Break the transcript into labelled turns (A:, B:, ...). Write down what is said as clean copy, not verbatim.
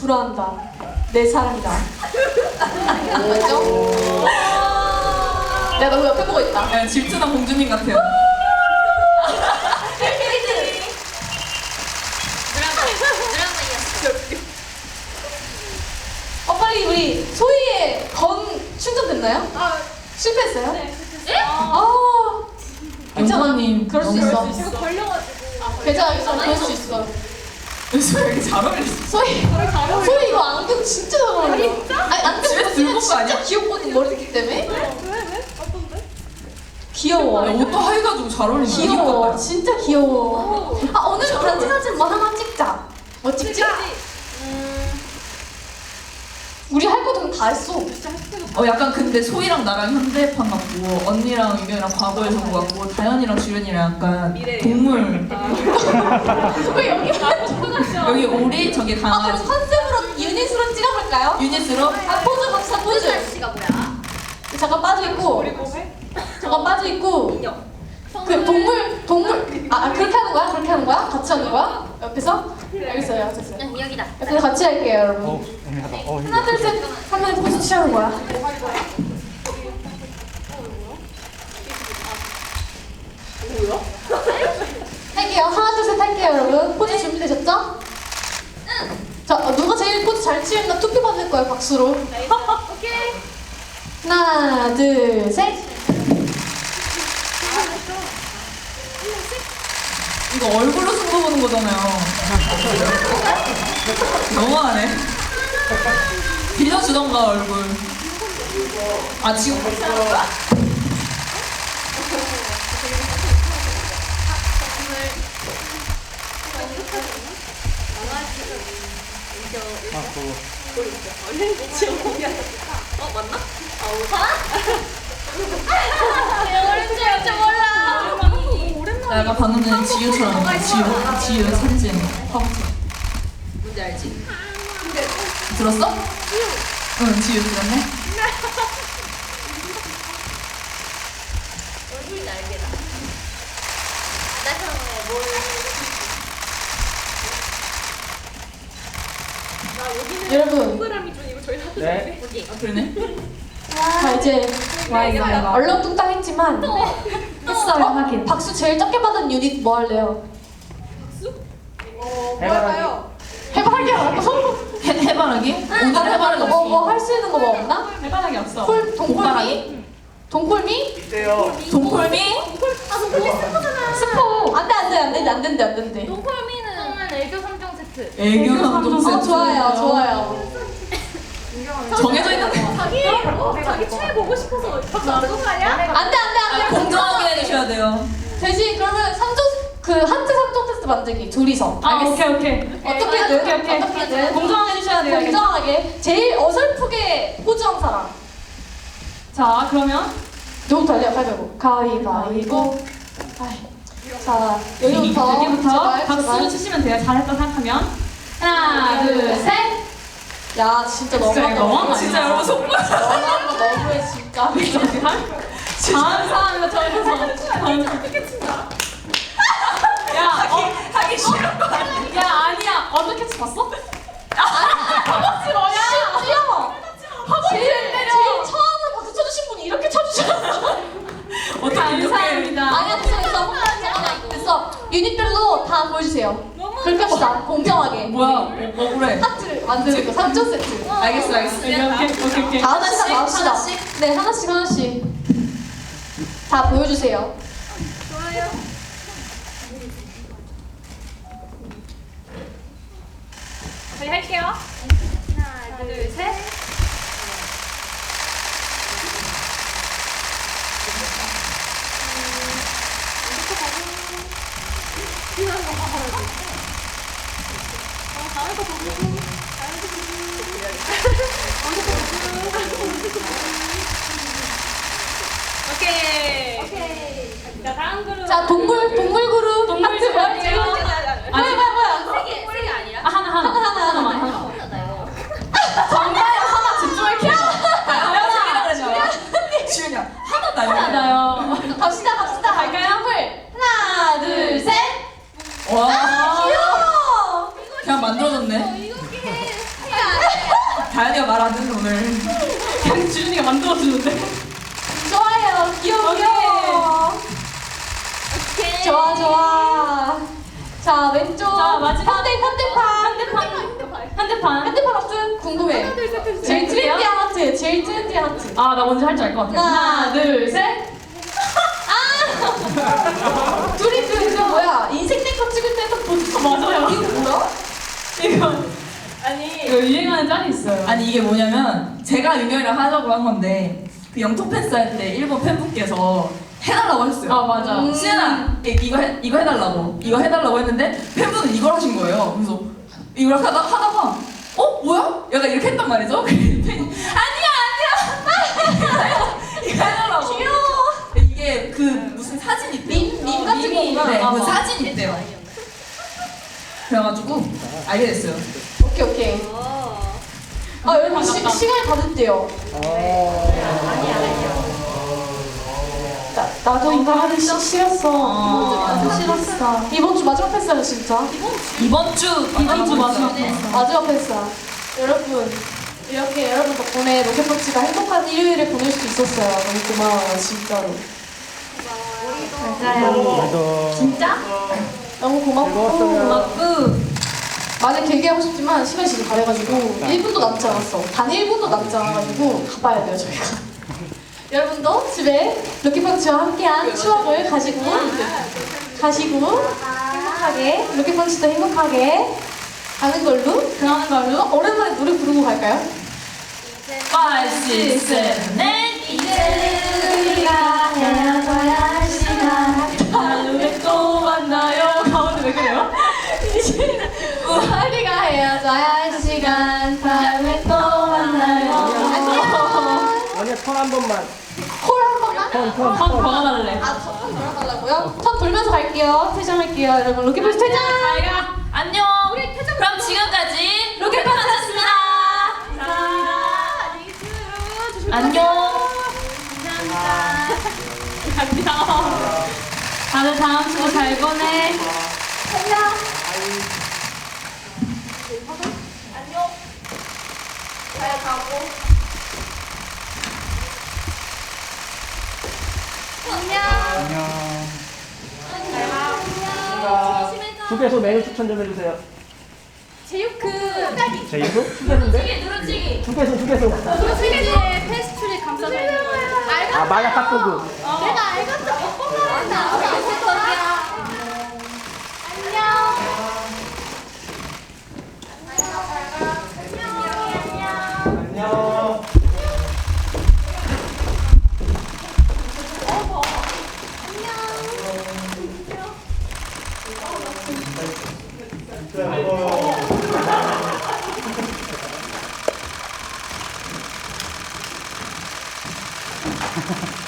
A: 불어한다. 내 사랑이다. 뭐죠? 야, 너 옆에 보고 있다.
B: 야, 질투나 공주님 같아요.
A: 빨리 우리 소희의 건 충전됐나요? 실패했어요?
C: 네,
B: 괜찮아님.
A: 그럴 수 있어.
C: 제가 걸려가지고.
A: 괜찮아, 그럴 수 있어.
B: 요즘 왜 이렇게 잘 어울리지?
A: 소희 이거 안경 진짜 잘 어울려. 진짜? 아니, 안경
B: 집에서
A: 벗으면
B: 들고 온 거 아니야?
A: 진짜 귀엽거든, 머리 듣기 때문에.
C: 왜? 어떤데?
A: 귀여워.
B: 야, 옷도 하얘가지고 잘 어울린다.
A: 귀여워. 진짜 귀여워. 오늘 단체 사진 뭐 하나 찍자. 뭐 찍지? 우리 할 거든 다 했어.
B: 약간 근데 소희랑 나랑 현대판 같고 언니랑 유경이랑 과거의 정보 같고 다현이랑 주연이랑 약간
C: 미래예요.
B: 동물.
A: 왜 여기
B: 여기 오리, 저기
A: 그럼
B: 강아지.
A: 컨셉으로 유닛으로 찍어볼까요?
B: 유닛으로.
A: 포즈 갑시다, 포즈.
C: 날씨가 뭐야?
A: 잠깐 빠져있고.
C: 우리 몸에?
A: 잠깐 빠져있고.
C: 인형.
A: 그 동물 그렇게 하는 거야? 그렇게 하는 거야? 같이 하는 거야? 옆에서? 알겠어요, 됐어요.
C: 응, 여기다.
A: 옆에서 같이 할게요, 여러분. 하나, 둘, 셋 하면 포즈 취하는 거야. 할게요. 하나, 둘, 셋 할게요, 여러분. 포즈 준비되셨죠? 응. 자, 누가 제일 포즈 잘 취했나 투표 받을 거예요, 박수로.
C: 오케이.
A: 하나, 둘, 셋.
B: 이거 얼굴로 승부 보는 거잖아요. 너무하네. 빌려주던가 얼굴. 아 지금
C: 맞나? 오렌지 몰라.
B: 나 약간 방금 전에 지유처럼 지유 사진 화보처럼.
C: 뭔지 알지?
B: 들었어? 응 지유 들었네.
C: 얼굴이 날개다. 나처럼 뭘? 나 여기는
A: 여러분.
C: 동그라미 준 이거 저희 다
D: 네.
C: 어디?
B: 아 그러네.
A: 자, 이제 얼렁뚱땅했지만 했어요, 하긴. 박수 제일 적게 받은 유닛 뭐 할래요?
D: 해바라기.
A: 해바라기 말고
B: 해바라기? 오늘 해바라기 없어.
A: 뭐 할 수 있는 거 뭐 없나?
B: 해바라기 없어.
A: 동콜미? 동콜미?
D: 있대요.
B: 동콜미?
C: 아, 동콜미 스포잖아.
A: 스포. 안 된대.
C: 동콜미는 애교 3종 세트.
B: 애교 감동 세트.
A: 좋아요.
B: 정해져 있는 거.
C: 자기 최애 보고 싶어서 박수 안 쏘는 거 아니야?
A: 안 돼.
B: 공정하게 해주셔야 돼요.
A: 대신 그러면 하트 3종 테스트 만들기 둘이서. 알겠어.
E: 오케이.
A: 어떻게든.
E: 공정하게 해주셔야 돼요.
A: 공정하게. 제일 어설프게 포즈한 사람.
E: 자, 그러면
A: 누구부터 할래요? 가위바위보. 자,
E: 여기부터 박수
A: 제발.
E: 치시면 돼요. 잘했다 생각하면. 하나, 둘, 셋.
A: 야, 진짜
E: 진짜
A: 너무한다.
E: 너무한 거 아니야?
B: 진짜 여러분 속보.
A: 너무해, 진짜.
E: 다음 사람이가 저기서 어떻게 친다? 야,
B: 하기 싫은 거 아니야?
E: 야 아니야. 어떻게 치 봤어?
A: 허벅지 뭐야? 심지어 제일 처음으로 박수 쳐주신 분이 이렇게 쳐주셨어.
B: 어떻게 이렇게?
E: 감사합니다.
A: 아니야, 됐어. 유닛별로 다 보여주세요. 그렇게 합시다. 공정하게.
B: 뭐야? 억울해.
A: 하트를 만드는 거 3점 세트.
B: 알겠어.
E: 오케이.
A: 다 합시다.
B: 하나씩?
A: 네, 하나씩. 다 보여주세요.
C: 좋아요. 저희 할게요. 하나, 둘, 셋. 오케이. 자, 다음 그룹.
A: 자, 동물 그룹.
E: 동물
A: 하트
E: 좋아해요.
A: 뭐야?
C: 세개 아니라?
E: 하나만.
A: 정말 하나 집중할게요.
B: 지윤이야 하나 나요.
E: 나요.
A: 갑시다. 갈까요? 하나, 둘, 셋.
B: 와
A: 귀여워.
B: 그냥 만들어졌네.
C: 이거게.
A: 야,
B: 다현이가 말하는 오늘.
E: 그냥 지윤이가 만들어주는데.
A: 좋아요. 귀여워, 귀여워. 좋아, 좋아. 자, 왼쪽.
E: 자, 마지막.
A: 현대판. 현대판 하트 궁금해. 제일 트렌디한 하트. 제일 트렌디한 하트.
E: 아, 나 뭔지 할 줄 알 것 같아. 하나, 둘, 셋.
A: 둘이 그 뭐야? 인생 네컷 찍을 때 했던 포즈.
E: 맞아요.
A: 이거 뭐야?
E: 이거
B: 아니
E: 이거 유행하는 짤이 있어요.
B: 아니 이게 뭐냐면 제가 윤경이랑 하자고 한 건데 그 영통 팬스 할 때 일본 팬분께서 해달라고 했어요.
E: 아, 맞아.
B: 시은아 이거 해달라고 했는데 팬분은 이걸 하신 거예요. 그래서 이걸 하다가 뭐야? 약간 이렇게 했단 말이죠. 팬이 아니야 이거 해달라고.
A: 귀여워.
B: 이게 그 무슨 사진 있대요.
A: 밈 같은
B: 밈이,
A: 거구나.
B: 네,
A: 아,
B: 그
A: 아.
B: 사진 있대요. 그래가지고 알게 됐어요.
A: 오케이. 여러분 시간이 다 됐대요. 나도 이거 하기 싫었어. 싫었어. 이번 주 마지막 패스야 진짜.
B: 이번 주
E: 마지막
A: 마지막 패스야. 여러분 이렇게 여러분 덕분에 로켓펀치가 행복한 일요일을 보낼 수 있었어요. 너무 고마워요 진짜로. 맞아요.
E: 진짜?
A: 너무 고맙고
E: 고맙고.
A: 많이 길게 하고 싶지만 시간이 지금 다 돼가지고 1분도 남지 않았어. 단 1분도 남지 않아가지고 가봐야 돼요 저희가. 여러분도 집에 로켓펀치와 함께한 추억을 가지고 행복하게 로켓펀치도 행복하게 가는 걸로
E: 그러는 걸로.
A: 오랜만에 노래 부르고 갈까요?
B: 5, 6, 7, 8
A: 이제 우리가 헤어져야 할 시간
E: 다음에 또 만나요. 가운데 왜 그래요?
A: 우리가 헤어져야 할 시간 다음에 또 만나요. 안녕.
D: 원래 턴 한 번만.
A: 콜 한 번만.
E: 턴 걸어달래.
A: 턴 돌아달라고요? 턴 돌면서 갈게요. 퇴장할게요. 여러분 로켓펀치 퇴장.
E: 잘가.
B: 안녕. 그럼 지금까지 로켓펀치였습니다. 안녕.
E: 안녕. 다들 다음 주 잘 보내.
D: 휴게소 메뉴 추천 좀 해주세요.
C: 제육크
D: 제이도? 휴게소인데?
C: 누르찌기
D: 휴게소.
C: 누르찌기에 페스츄리 감싸져 있는 거예요.
D: 아, 마약 핫도그.
C: 내가 알겠어. 오빠만 나오고 있을 거야.
D: 안녕. 안녕.